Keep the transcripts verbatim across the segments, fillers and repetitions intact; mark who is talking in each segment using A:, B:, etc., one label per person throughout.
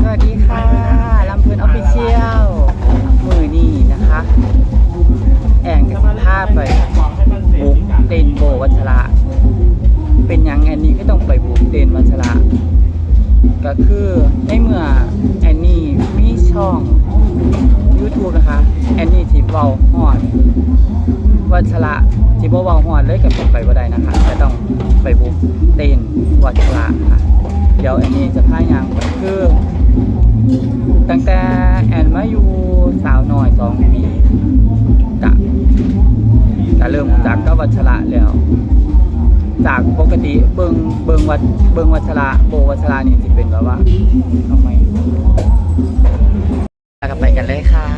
A: วัสดีค่ะลำเพลินออฟฟิเชียลมือนี่นะคะแองกับภาพไปบุกเต้นโบวัชระเป็นยังแอนนี่ก็ต้องไปบุกเต้นวัชระก็คือในเมื่อแอนนี่มีช่อง YouTube นะคะแอนนี่ที่เว้าฮอดวัชระที่บ่เว้าฮอดเลยกับผมไปบ่ได้นะคะจะต้องไปบุกเต้นวัชระค่ะเดี๋ยวแอนนี่จะพายางไปคือตั้งแต่แอนมาอยู่สาวน้อยสองปีกะกะเริ่มจากก็วัชระแล้วจากปกติเบิงเบิงวัดเบิงวัชระโบวัชระนี่สิเป็นแบบว่าทำไมแล้วก็ไปกันเลยค่ะ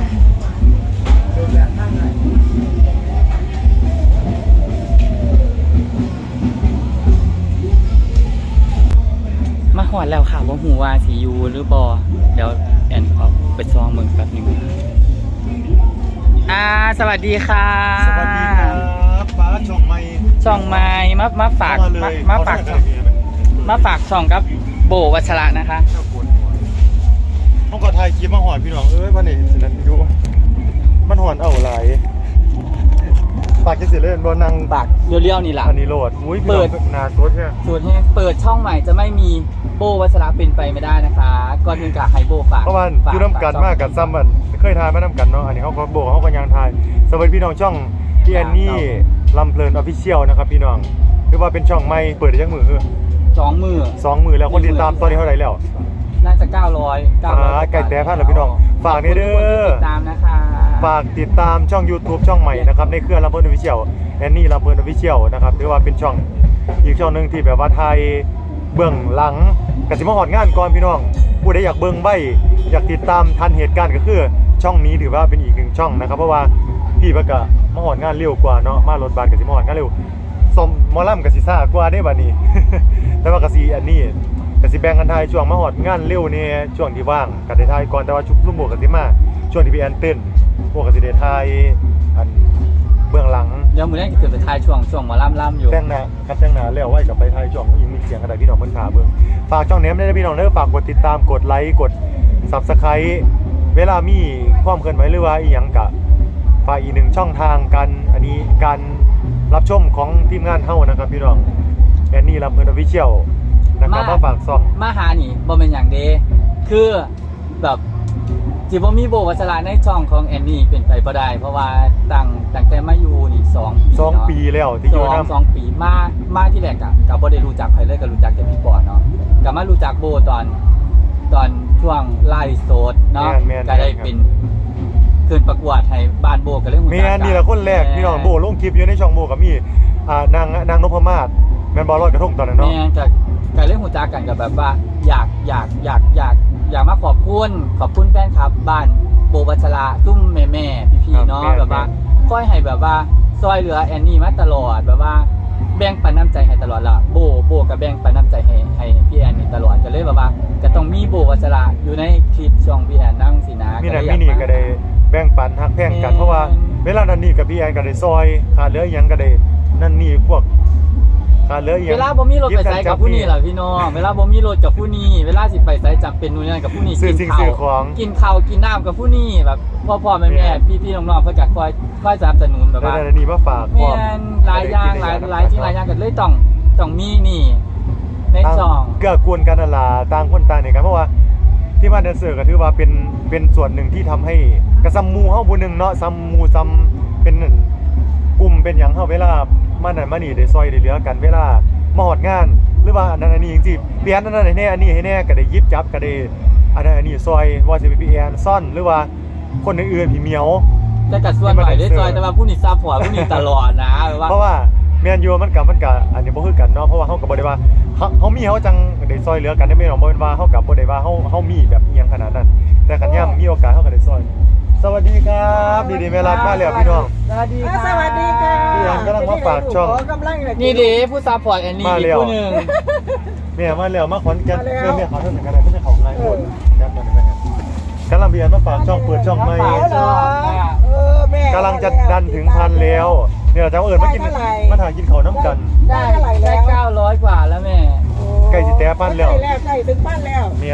A: มาหอดแล้วค่ะว่าหูว่าสียูหรือบอเดี๋ยวแอนออกไปซองเมืองแป๊บหนึ่งอ่าสวัสดีค่ะ
B: สวัสดีครับฟ้าช่องไม้
A: ช่องไม้มามาฝากมามาฝากมาฝากช่องกับโบวัชระนะคะ
B: ต้องกอดไทยคลิปมาหอดพี่น้องเอ้ยวันนี้สินันดูมันหอนเอาไหลปากจะเสียเล่นบนนาง
A: ปากเรียวๆนี่แหละ
B: อันนี้โหลดอุ้ยเปิดนาโคตรเนี่ย
A: ส่วนที่เปิดช่องใหม่จะไม่มีโบวัชระเป็นไปไม่ได้นะคะก่อนอื่นกับไฮโบฝาก
B: เพราะมันคือน้ำกันมากกับซ้ำมันเคยทายมาน้ำกันเนาะอันนี้เขาก็โบเขาก็ยังทายสวัสดีพี่น้องช่องพี่แอนนี่ลำเพลินออฟฟิเชียลนะครับพี่น้องคือว่าเป็นช่องใหม่เปิดได้ยังมือ
A: สองมือ
B: สองมือแล้วคนติดตามตอนนี้เท่าไหร่แล้ว
A: น่าจะเก้าร้อยเก้าร้อย
B: ไก่แต่พันแล้วพี่น้องฝากนี่เด้อ
A: ติดตามนะคะ
B: ฝากติดตามช่อง YouTube ช่องใหม่นะครับในเครือลำเพลินออฟฟิเชียลแอนนี่ลำเพลินออฟฟิเชียลนะครับถือว่าเป็นช่องอีกช่องนึงที่แบบว่าไทยเบื้องหลังกสิมาหอดงานก่อนพี่น้องผู้ใดอยากเบื้องใบอยากติดตามทันเหตุการณ์ก็คือช่องนี้ถือว่าเป็นอีกหนึ่งช่องนะครับเพราะว่าพี่เพิ่นก็มาหอดงานเร็วกว่าเนาะมารถบัสกสิมาหอดงานเร็วสมมอลำกสิซ่ากว่าได้บัดนี้ แต่ว่ากสิอันนี้กสิแบ่งกันทายช่วงมาหอดงานเร็วนี่ช่วงที่ว่างก็ได้ทายก่อนแต่ว่าชุบลุ่มโบกสิมาช่วงที่พี่แอนเต้นพวกกสิได้ทายอันเบื้องหลัง
A: เดี๋ยวมื้อนี้จะขึ้นไปทายช่วงช่วงหมอลำล่ำอยู่
B: แต่งหน้าคัดแต่งหน้าแล้วไว้กับไปทายช่วงยิงมีเสียงกระดาษพี่น้องเพิ่นขาเบิ่งฝากช่องแหนมได้พี่น้องเด้อฝากกดติดตามกดไลค์กด Subscribe เวลามีความเคลื่อนไหวหรือว่าอีหยังกะฝากอีกหนึ่งช่องทางกันอันนี้การรับชมของทีมงานเฮานะครับพี่น้องแอนนี่ลำเพลินออฟฟิเชียลนะครับมาฝากซ่อง
A: มาหานี่บ่เป็นอย่างเดคือแบบที่บ่มีโบวัชระในช่องของแอนนี่เป็นไปบ่ได้เพราะว่าตั้งตั้งแต่มาอยู่นี่สองปี
B: สองปีแล้วที่อยู่นำ
A: สองปีมามาที่แรกก็ก็บ่ได้รู้จักใครเลยก็รู้จักแต่พี่ปอเนาะก็มารู้จักโบตอนตอนช่วงไลฟ์สดเนาะก็ได้เป็นขึ้นประกวดให้บ้านโบก็เลยรู้จัก
B: แม่นี่แหละคนแรกพี่น้องโบลงคลิปอยู่ในช่องโบก็มีอ่านางนางนพมาศแม่นบ่ลอยกระทงตอนนั้นเนาะ
A: แม่ก็ก็เลยรู้จักกันก็แบบว่าอยากอยากอยากอยากอยากมาขอบคุณขอบคุณแฟนคลับบ้านโบวัชระซุ่มแม่แม่พี่ๆเนาะแบบว่าค่อยให้แบบว่าซอยเหลือแอนนี่มาตลอดแบบว่าแบ่งปันน้ำใจให้ตลอดละโบโบกับแบ่งปันน้ำใจให้ให้พี่แอนนี่ตลอดก็เลยแบบว่าก็ต้องมีโบวัชระอยู่ในคลิปช่องพี่แอนนั่งสินะ
B: มีนั่นมีนี่ก็ได้แบ่งปันฮักแพงกันเพราะว่าเวลานั้นนี่กับพี่แอนก็ได้ซอยขาดเหลือหยังก็ได้นั่นนี่พวกขาดเหลือหยัง
A: เวลาบ่มีรถไปไสกับผู้นี้ล่ะพี่น้องเวลาบ่มีรถกับผู้นี้เวลาสิไปไสจำเป็นนู่นนั่นกับผู้นี้
B: กินข้าว
A: กินข้าวกินน้ำกับผู้นี้แบบพ่อๆแม่ๆพี่ๆน้องๆเพิ่นก็คอยคอยสนับสนุนแบบว่า
B: นี่มาฝาก
A: พร้อมหลายอย่างหลายหลายที่หลายอย่างก็เลยต้องต้องมีนี่ในช่อง
B: เกื้อกูลกันนั่นล่ะต่างคนต่างนี่กันเพราะว่าที่บ้านแดนเซอร์ก็ถือว่าเป็นเป็นส่วนหนึ่งที่ทำให้กระซัมมูเฮาผู้นึงเนาะซัมมูซัมเป็นกลุ่มเป็นหยังเฮาเวลามานั่นมานี่ได้ซอยได้เหลือกันเวลามาฮอดงานหรือว่าอันนั้นอันนี้จริงๆเปลี่ยนอันนั้นให้แน่อันนี้ให้แน่ก็ได้ยิบจับก็ได้อันนั้นอันนี้ซอยว่าสิเป็นพี่แอนซ่อนหรือว่าคนอื่นๆพี่เหมียว
A: แต่ก็ส่วนหน่อยได้ซอยแต่ว่าผู้นี้ซัพพอร์ตผู้นี้ตลอดนะ
B: เพราะว่าแมนยูมันกับมันกับอันนี้บ่คือกันเนาะเพราะว่าเฮาก็บ่ได้ว่าเฮาเฮามีเฮาจังได้ซอยเหลือกันได้แม่นบ่แม่นว่าเฮาก็บ่ได้ว่าเฮาเฮามีแบบอีหยังขนาดนั้นแต่คันยามมีโอกาสเฮาก็ได้ซอยสวัสดีครับดีๆแม่รักมาแล้วพี่น้อง
C: สวัสดีค่ะสวัสดีค่ะ
B: พี่แอนกำลังมาฝากช่อง
A: นี่ดิผู้ซัพพอร์ตแอนนี่อีกผู้นึง
B: แม่มาแล้วมาขอนแก่นแม่แม่ขอโทษกันได้ไม่ใช่ของไลฟ์คนครับนั่นแหละกำลังพี่แอนมาฝากช่องเปิดช่องใหม่กำลังจะดันถึงพันแล้วเนี่ยจะเอาเอิญมากินมาถ่ายกินเขาน้ำกัน
A: ได้ได้เก้าร้อยกว่าแล้วแม่
B: ใกล้สิแต้พันแล้ว
C: ใกล้ถึงพันแล้ว
B: เมียน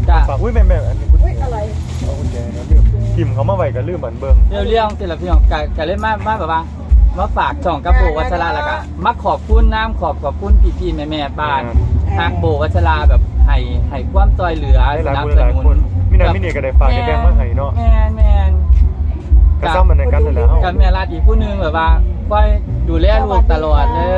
A: จ้ะ
B: ฝากอุ้ยแม่แม่อันนี้กุญ
C: อุ้ย
B: แจ
C: อะไร
B: เอากุญแจนะลืมทิมเขามาไว้ก็ลืมเหมือนเบิ่ง
A: เรื่องๆสิล่ะพี่น้องกะกะเล่นมามาแบบว่ามาฝากช่องกับโบวัชราแล้วก็มาขอบคุณน้ำขอบขอบคุณพี่ๆแม่ๆบ้านฮักโบวัชราแบบให้ให้ความซอยเหลือ
B: ห
A: ส
B: ลาย
A: นับ
B: คน
A: ส
B: หลาย
A: นุ
B: คน
A: น
B: มินามินี่ก็ได้ฝากได้แบ่งมาให้เนาะ
A: แม่นแม่น
B: ก็ซ้ำมันในกันนั่นแหละเฮา
A: กับแม่รัดอีกผู้หนึงแบบว่าคอยดูแลลูกตลอดเลย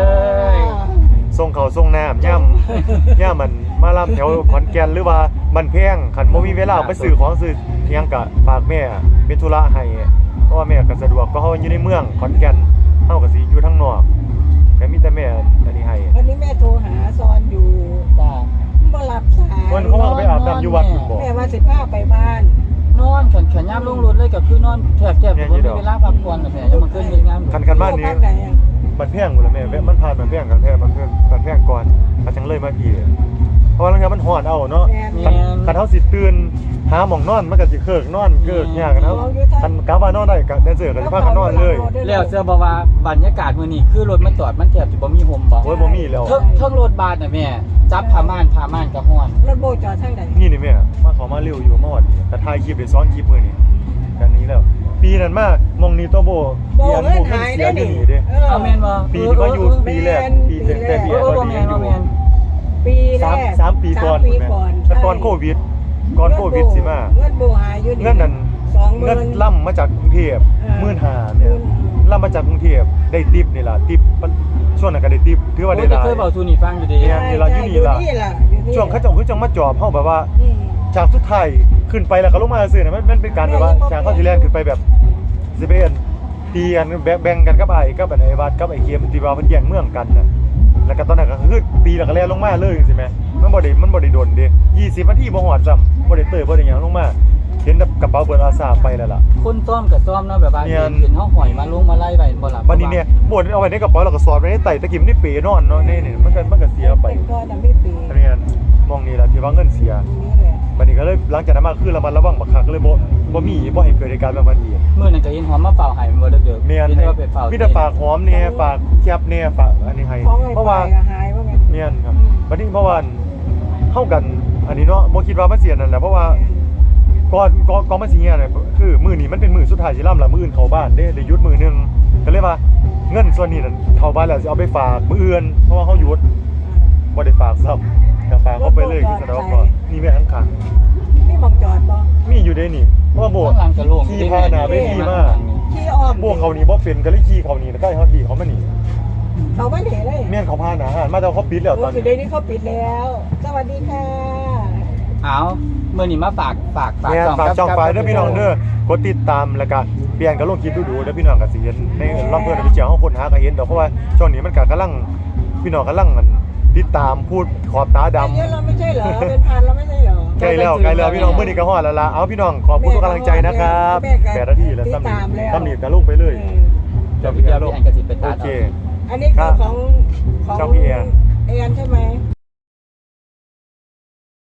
B: ส่งเขาวส่งน้ำย่ำ ย่ำมันมาลำแถวขอนแก่นหรือว่าบันแพงคันบ่มีเวลาไปซื้อของซื้อเพียงกะฝากแม่เป็นธุระให้เพราะว่าแม่ก็สะดวกก็เฮาอยู่ในเมืองขอนแก่นเฮาก็สิอยู่ทางนอกก็มีแต่แม่อันนี้ให้
C: วันนี้แม่โทรหาซอนอยู่
A: จ้า
C: บ่รับสาย
B: คนเขาว่าไปอาบน้ำอยู่วัดพุ่นบ่
C: แม่ว่าสิพาไปบ้าน
A: นอนแขนแขนย่ำลงรถเลยก็คือนอนแทบแทบผมมีเวลาพักผ่อนแบบแม่ยังมาขึ้นมีงาน
B: คันคันบ้านนี้
C: บ้านไหนอะ
B: บันแพงหมดแล้วแม่แม่มันผ่านบันแพงกันแท้บันแพงบันแพงก่อนก็จังเลยมาพี่เพราะว่าลางเทื่อมันฮ้อนเอาเนาะ
C: แม่
A: แม่
B: คันเฮาสิตื่นหาหม่องนอนมันก็สิเคิกนอนเกิกยากกันเฮาคันกะว่านอนได้ก็แดนเซอร์ก็สิพากันนอนเลย
A: แล้วเสื้อบอกว่าบรรยากาศมื้อนี้คือรถมันจอดมันแทบสิบ่มีห่มบ่
B: โอ้ยบ่มีแล้ว
A: เทิงเทิงรถบาสน่ะแม่จับผ้าม่านผ้าม่านก็ฮ้อน
C: รถโบจอดทางใด
B: นี่นี่แม่มาขอมาเร็วอยู่มาวันนี้แต่ถ่ายคลิปได้ซ้อนคลิปมื้อนี้กันนี้แล้ว ปีนั้นมามองนี้ตัวโบ
C: โบ
B: เรียน
C: เงิน
B: โบ
C: หาย
B: เสี
C: ได้
B: ยอยู่
C: ดิ
B: นี่เด้
C: เออ
A: เอาแม่นบ่
B: ปีที่มาอยู่
A: เออ
B: ปีแรกปีแต่แต่ปี
A: เอ
B: แร
A: อก เออ
B: ตอน
A: บ่
B: นี้
A: แม่
B: ยั
A: น
B: งอ
A: บ่
B: ยู่
A: แม่น
C: ปีแร
B: สาม
C: ก
B: สามปีก่อน
C: สามปี
B: แม่
C: ก่อน
B: แต่ก่อนโควิดก่อนโควิดสิมา
C: เงินโบหายอยู่
B: เงินนั้น
C: สองหมื่
B: เงิน
C: น
B: ล่ำมาจากกรุงเทพ
C: เออ
B: หมื่นห้าเนี่ย
C: หมื่นห้า
B: ล่ำมาจากกรุงเทพได้ติปนี่ล่ะติปช่วงนั้นก็ได้ติปถือว่าได้
A: โอ้
B: ห
A: จะ
B: ลาย
A: เคยเว้าสู่นี่ฟังอยู่ดิ
B: เนี่ย นี่ล่ะอยู่นี่ล่ะ
C: อยู่นี่ล่ะอยู่นี่
B: ช่วงเขาเจ้าคือจังมาจอบเฮาแบบว่า
C: อืม
B: จากสุดท้ายขึ้นไปแล้วก็ลงมาซื่อๆน่ะมันมันเป็นการแบบว่าจากเข้าที่แลนขึ้นไปแบบสิเป็นตีกันแบ่งแบ่งกันกับไอ้กับไอ้วัดกับไอ้เคียมตีว่ามันแย่งเมืองกันน่ะแล้วก็ตอนนั้นก็คือตีแล้วก็แล่นลงมาเลยจังซี่แหมมันบ่ได้มันบ่ได้โดนเด้ยี่สิบนาทีบ่ฮอดซ้ำบ่ได้เตยบ่ได้หยังลงมาเห็นแต่กระเป๋าเบิดอาสาไปแล้วล่ะ
A: คนซ้อมกับซ้อมเนาะแบบว่า
B: เนี่ย
A: เห็นเห็นเฮาหอยมาลงมาไล่ไว้บ่ล่ะ
B: บัดนี้เนี่ยบ่ได้เอาไว้ในกระเป๋าแล้วก็สอดไว้ในไตตะกี้มันนี่เปนอนเนาะนี่นี่มันก็มันก็เสียไป
C: เป็นก้อนน่ะไม่ปี
B: อันนี้มองนี่ล่ะที่ว่าเงินเสีย
C: นี่แหละ
B: บัดนี้ก็เลยหลังจากนั้นมาคือระมัดระวังบักคักเลยบ่บ่มีบ่ให้เกิดเหตุการณ์แบบนั้นอีก
A: มื้อนั้นก็เห็นหอมมาเฝ้าให้มันบ่เด้อๆ
B: เมียน
A: เห็นว่าไปเฝ้า
B: มีแต่ฝากหอมเนี่ยฝากแคบเนี่ยฝากอันนี้ให้
C: ของไอ้
B: เพราะว่า
C: ไฟก็หายว่าไง
B: เมียนครับบัดนี้เมื่อวานเข้ากัน อันนี้เนาะบ่คิดว่ามันเสียนั่นแหละเพราะว่าก่อนก่อนก่อนมันสิเฮียเนี่ยคือมื้อนี้มันเป็นมื้อสุดท้ายสิล่ำละมื้ออื่นเข้าบ้านเด้ได้หยุดมื้อหนึงก็เลยว่าเงินส่วนนี้นั่นเข้าบ้านแล้วสิเอาไปฝากมื้ออื่นเพราะว่าเฮาหยุดบ่ได้ฝากซ้ำก็ฝากเขาไปเลยคือแสดงว่าพอนี่แม่ข้าง
C: นี่มองจอดบ่
B: ๆมีอยู่เด้นี่เพราะว่าโบ
A: ข้างหลังก็โล่ง
B: ขี่พาหน้าไปดีมาก
C: ขี้อ้อม
B: โบเขานี่บ่เป็นก็เลยขี่เขานี่แล้วก็ให้เฮาดีเขามานี่
C: เขาไม่เห็นเลย
B: เมียนเขาพาหนาหารมาแต่เขาปิดแล้วต
C: โอ้
B: อน
C: สุด
B: นี้
C: เดี๋ยวนี้เขาปิดแล้ว สวัสดีค่ะ
A: เอามื้อนี้มาฝากฝากฝาก
B: เนี่ย
A: ช่อง
B: ฝาก
A: กับ
B: ช่อง
A: กับ
B: ไฟเด้อพี่น้องเด้อกดติดตามแล้วก็เปลี่ยนกับลงคลิปดูๆเด้อพี่น้องก็สิเห็นในลำเพิ่นไปเจียวเฮาคนหาก็เห็นดอกเพราะว่าช่วงนี้มันก็กำลังพี่น้องกำลังมันติดตามพูดขอบตาดำ
C: เยอะเราไม่ใช่เหรอ เป็นพันเราไม่ใช่เหรอ
B: ใกล้แล้วใกล้แล้วพี่น้องมื้อนี้ก็ฮอดแล้วล่ะเอาพี่น้องขอบคุณทุกกำลังใจนะครับ
C: แม่ก็
B: แปดนาทีแล้ว
C: ติด
B: ซ้ำ
C: ตามแล้ว
B: ซ้ำนี่ก็ลงไปเลย
C: เออ
A: เดี๋ยวพี่เดียวพี่แอนก็สิไปตั
B: โอ
A: ด
B: เค
A: เอา
C: อันนี้คือของของ
B: ช่องพี่แอน
C: แอนใช่ไหม